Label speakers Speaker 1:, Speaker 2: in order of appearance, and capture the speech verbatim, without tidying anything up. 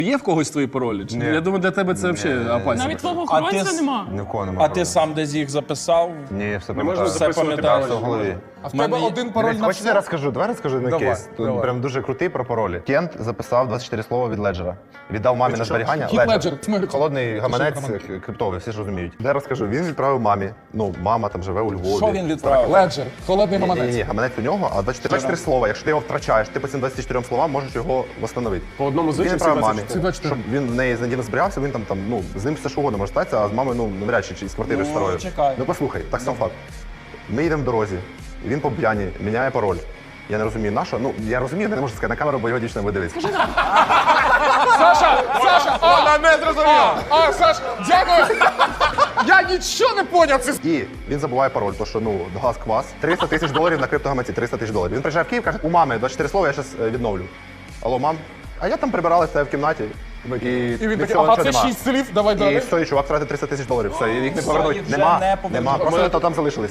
Speaker 1: Є в когось твої паролі? Чи?
Speaker 2: Ні.
Speaker 1: Я думаю, для тебе це взагалі опасно.
Speaker 3: Навіть твого
Speaker 4: А ти
Speaker 3: охоронця
Speaker 4: с-
Speaker 3: нема.
Speaker 2: Ні в кого немає
Speaker 4: А
Speaker 2: паролю.
Speaker 4: ти сам десь їх записав?
Speaker 2: Ні, все
Speaker 1: можна
Speaker 2: пам'ятаю.
Speaker 4: Все
Speaker 1: записувати
Speaker 4: пам'ятаєш?
Speaker 2: Все в голові.
Speaker 5: А в тебе
Speaker 4: Мене-
Speaker 5: один пароль на
Speaker 2: Хочете, я
Speaker 5: все?
Speaker 2: розкажу? Давай розкажу на
Speaker 5: Давай,
Speaker 2: кейс. Тут
Speaker 5: давай.
Speaker 2: прям дуже крутий про паролі. Кент записав двадцять чотири слова від Леджера. Віддав мамі на зберігання.
Speaker 5: Хіт Леджер, в Америці.
Speaker 2: Холодний гаманець
Speaker 5: гаманець.
Speaker 2: е, криптовий, всі ж розуміють. Де розкажу? Він відправив мамі. Ну, мама там живе у Львові.
Speaker 4: Що він відправив?
Speaker 5: Леджер, холодний
Speaker 2: Ні, ні,
Speaker 5: гаманець.
Speaker 2: ні, гаманець у нього, а двадцять чотири слова. Якщо ти його втрачаєш, ти по цим двадцяти чотирьом словам можеш його встановити.
Speaker 1: По одному
Speaker 2: Він
Speaker 1: звичайно
Speaker 2: відправив мамі,
Speaker 5: Всі двадцять чотири.
Speaker 2: щоб він в неї з надійно зберігався, він там, там, ну, з ним все що угодно може статися, а з мамою, ну, навряд чи, чи з квартирою
Speaker 4: Ну,
Speaker 2: старою.
Speaker 4: чекай.
Speaker 2: Ну, послухай, так сам факт. Ми їдемо в дорозі, і він по п'яні міняє пароль. Я не розумію, на що. Ну, я розумію, не можу сказати на камеру, бо його дівчина буде дивитися.
Speaker 5: Саша, Саша, а, не зрозуміла. А, Саша, дякую. Я нічого не поняв. Це
Speaker 2: І він забуває пароль, то що, ну, газ квас. триста тисяч доларів на криптогаманці, триста тисяч доларів. Він приїжджає в Київ, каже, у мами двадцять чотири слова, я зараз відновлю. Алло, мам? А я там прибиралася в кімнаті. І,
Speaker 5: І він
Speaker 2: від
Speaker 5: такий,
Speaker 2: цього
Speaker 5: ага,
Speaker 2: нічого
Speaker 5: це
Speaker 2: нема.
Speaker 5: шість слів, давай
Speaker 2: І
Speaker 5: далі.
Speaker 2: все, і чувак втратив триста тисяч доларів. Все, і їх не
Speaker 4: Все,
Speaker 2: повернуть.
Speaker 4: їх вже
Speaker 2: Нема,
Speaker 4: не повернуть.
Speaker 2: нема. Просто то там залишились.